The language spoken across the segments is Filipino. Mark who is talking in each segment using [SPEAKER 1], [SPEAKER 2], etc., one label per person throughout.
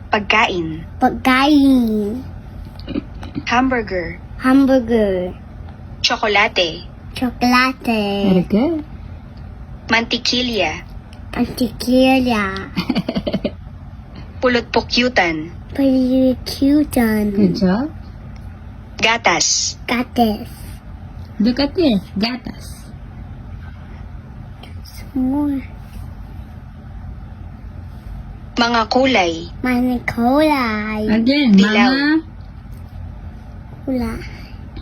[SPEAKER 1] Pagkain.
[SPEAKER 2] Pagkain.
[SPEAKER 1] Hamburger.
[SPEAKER 2] Hamburger.
[SPEAKER 1] Tsokolate.
[SPEAKER 2] Chocolate.
[SPEAKER 3] Very good.
[SPEAKER 1] Mantikilya.
[SPEAKER 2] Antikilya.
[SPEAKER 1] Pulot-pukyutan.
[SPEAKER 2] Percutan.
[SPEAKER 3] Good job.
[SPEAKER 1] Gatas.
[SPEAKER 2] Gatas.
[SPEAKER 3] Look at this. Gatas.
[SPEAKER 2] More.
[SPEAKER 1] Mga kulay.
[SPEAKER 2] Manikolay.
[SPEAKER 3] Again,
[SPEAKER 1] Dilaw.
[SPEAKER 3] mga
[SPEAKER 2] Kulay.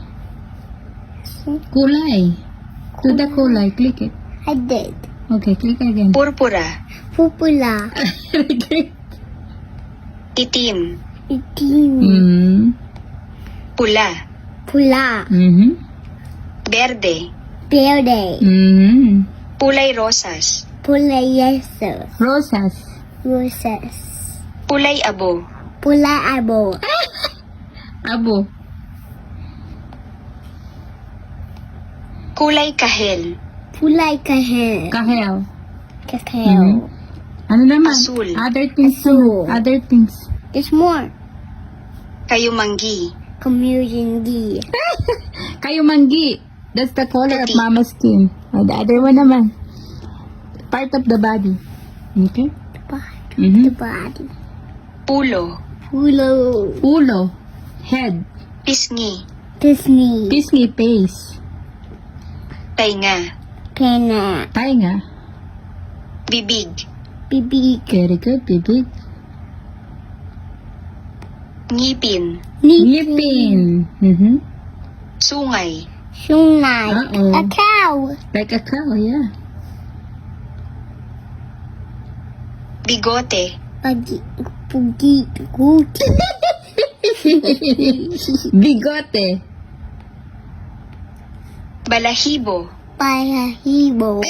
[SPEAKER 3] kulay. To the kulay. Click it.
[SPEAKER 2] I did.
[SPEAKER 3] Okay, click again.
[SPEAKER 1] Purpura.
[SPEAKER 2] Pupula.
[SPEAKER 3] Very good.
[SPEAKER 1] Itim.
[SPEAKER 2] Itim.
[SPEAKER 3] Mm-hmm.
[SPEAKER 1] Pula.
[SPEAKER 2] Pula.
[SPEAKER 3] Mm-hmm.
[SPEAKER 1] Berde.
[SPEAKER 2] Verde.
[SPEAKER 3] Mm-hmm.
[SPEAKER 1] Kulay rosas.
[SPEAKER 2] Pula yeso.
[SPEAKER 3] Rosas.
[SPEAKER 2] Roses.
[SPEAKER 1] Kulay abo.
[SPEAKER 2] Pula abo.
[SPEAKER 3] Abo.
[SPEAKER 1] Kulay kahel.
[SPEAKER 2] Pulay kahel.
[SPEAKER 3] Kahel.
[SPEAKER 2] Kakao.
[SPEAKER 3] Ano naman?
[SPEAKER 1] Asul.
[SPEAKER 3] Other things.
[SPEAKER 2] Asul.
[SPEAKER 3] Other things.
[SPEAKER 2] There's more.
[SPEAKER 1] Kayumanggi.
[SPEAKER 2] Community.
[SPEAKER 3] Kayumanggi. That's the color of
[SPEAKER 1] Puti.
[SPEAKER 3] mama's skin. Oh, the other one naman. Part of the body. Okay?
[SPEAKER 2] The
[SPEAKER 3] Mm-hmm.
[SPEAKER 2] body.
[SPEAKER 1] Pulo.
[SPEAKER 2] Pulo.
[SPEAKER 3] Ulo. Head.
[SPEAKER 1] Pisngi.
[SPEAKER 2] Disney.
[SPEAKER 3] Disney face.
[SPEAKER 1] Tainga.
[SPEAKER 2] Pena.
[SPEAKER 3] Tainga.
[SPEAKER 1] Bibig.
[SPEAKER 2] Bibig.
[SPEAKER 3] Very good, bibig.
[SPEAKER 1] Ngipin.
[SPEAKER 3] Ngipin. Mm-hmm.
[SPEAKER 1] Sungay.
[SPEAKER 2] Sunay.
[SPEAKER 3] Uh-oh.
[SPEAKER 2] A cow.
[SPEAKER 3] Like a cow, yeah.
[SPEAKER 1] Bigote.
[SPEAKER 2] Pagi. Pugi. Guti.
[SPEAKER 3] Bigote.
[SPEAKER 1] Balahibo.
[SPEAKER 2] Balahibo.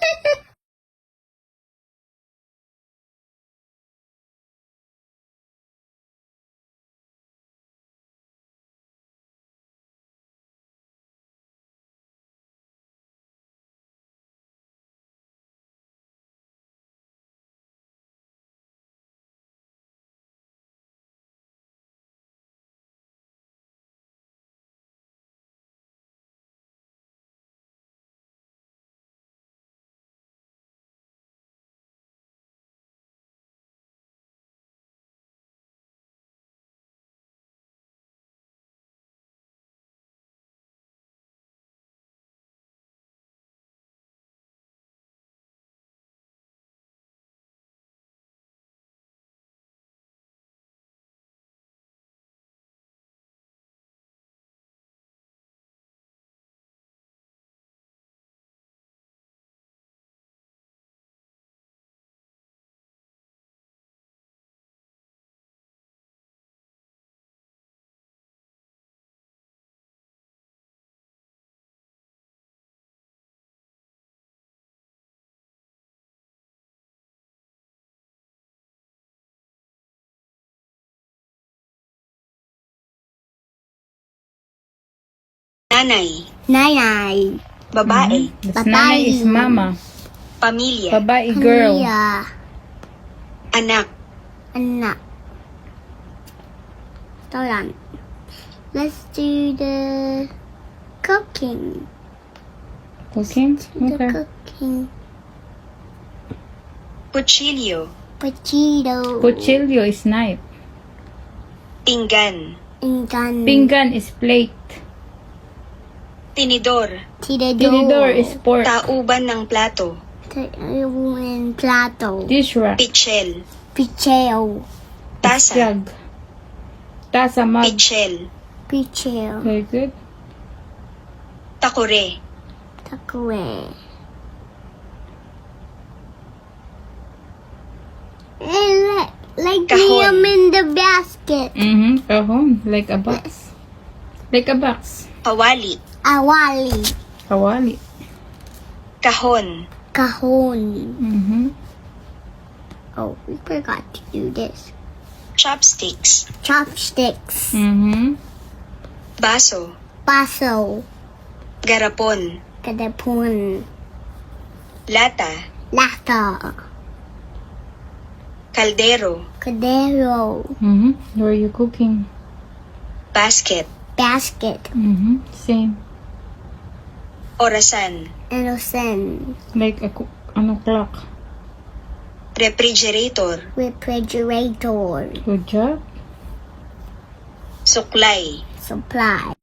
[SPEAKER 1] Nanay.
[SPEAKER 2] Nanay.
[SPEAKER 1] Babae.
[SPEAKER 3] That's nanay is mama.
[SPEAKER 1] Pamilya.
[SPEAKER 3] Babae girl.
[SPEAKER 2] Pamilya.
[SPEAKER 1] Anak.
[SPEAKER 2] Anak. Hold on. Let's do the cooking.
[SPEAKER 3] Cooking?
[SPEAKER 2] The
[SPEAKER 3] Okay.
[SPEAKER 2] cooking.
[SPEAKER 1] Kutsilyo.
[SPEAKER 2] Potato.
[SPEAKER 3] Cuchillo is knife.
[SPEAKER 1] Pinggan.
[SPEAKER 2] Ingan.
[SPEAKER 3] Pinggan is plate.
[SPEAKER 1] Tinidor.
[SPEAKER 3] Tinidor is fork.
[SPEAKER 1] Tauban ng plato.
[SPEAKER 2] Tayuan plato.
[SPEAKER 3] Dish rack.
[SPEAKER 1] Pichel.
[SPEAKER 2] Picheo.
[SPEAKER 1] Tasa.
[SPEAKER 3] Jug. Tasa mug.
[SPEAKER 1] Pichel.
[SPEAKER 2] Picheo.
[SPEAKER 3] Very good.
[SPEAKER 1] Takure.
[SPEAKER 2] Takwe. Like
[SPEAKER 1] Kahon.
[SPEAKER 2] I'm in the basket.
[SPEAKER 3] Mm-hmm. Kahon. Like a box. Like a box.
[SPEAKER 1] Kawali.
[SPEAKER 2] Awali.
[SPEAKER 3] Kawali.
[SPEAKER 1] Kahon.
[SPEAKER 2] Kahon.
[SPEAKER 3] Mm-hmm.
[SPEAKER 2] Oh, we forgot to do this.
[SPEAKER 1] Chopsticks.
[SPEAKER 2] Chopsticks.
[SPEAKER 3] Mm-hmm.
[SPEAKER 1] Baso.
[SPEAKER 2] Baso.
[SPEAKER 1] Garapon.
[SPEAKER 2] Kadapon.
[SPEAKER 1] Lata.
[SPEAKER 2] Lata.
[SPEAKER 1] Kaldero.
[SPEAKER 2] Cordero.
[SPEAKER 3] Where are you cooking?
[SPEAKER 1] Basket.
[SPEAKER 2] Basket.
[SPEAKER 3] Same.
[SPEAKER 1] Orasan.
[SPEAKER 2] Innocent.
[SPEAKER 3] Like a clock.
[SPEAKER 1] Refrigerator.
[SPEAKER 2] Refrigerator.
[SPEAKER 3] Good job.
[SPEAKER 1] Suklay.
[SPEAKER 2] Supply.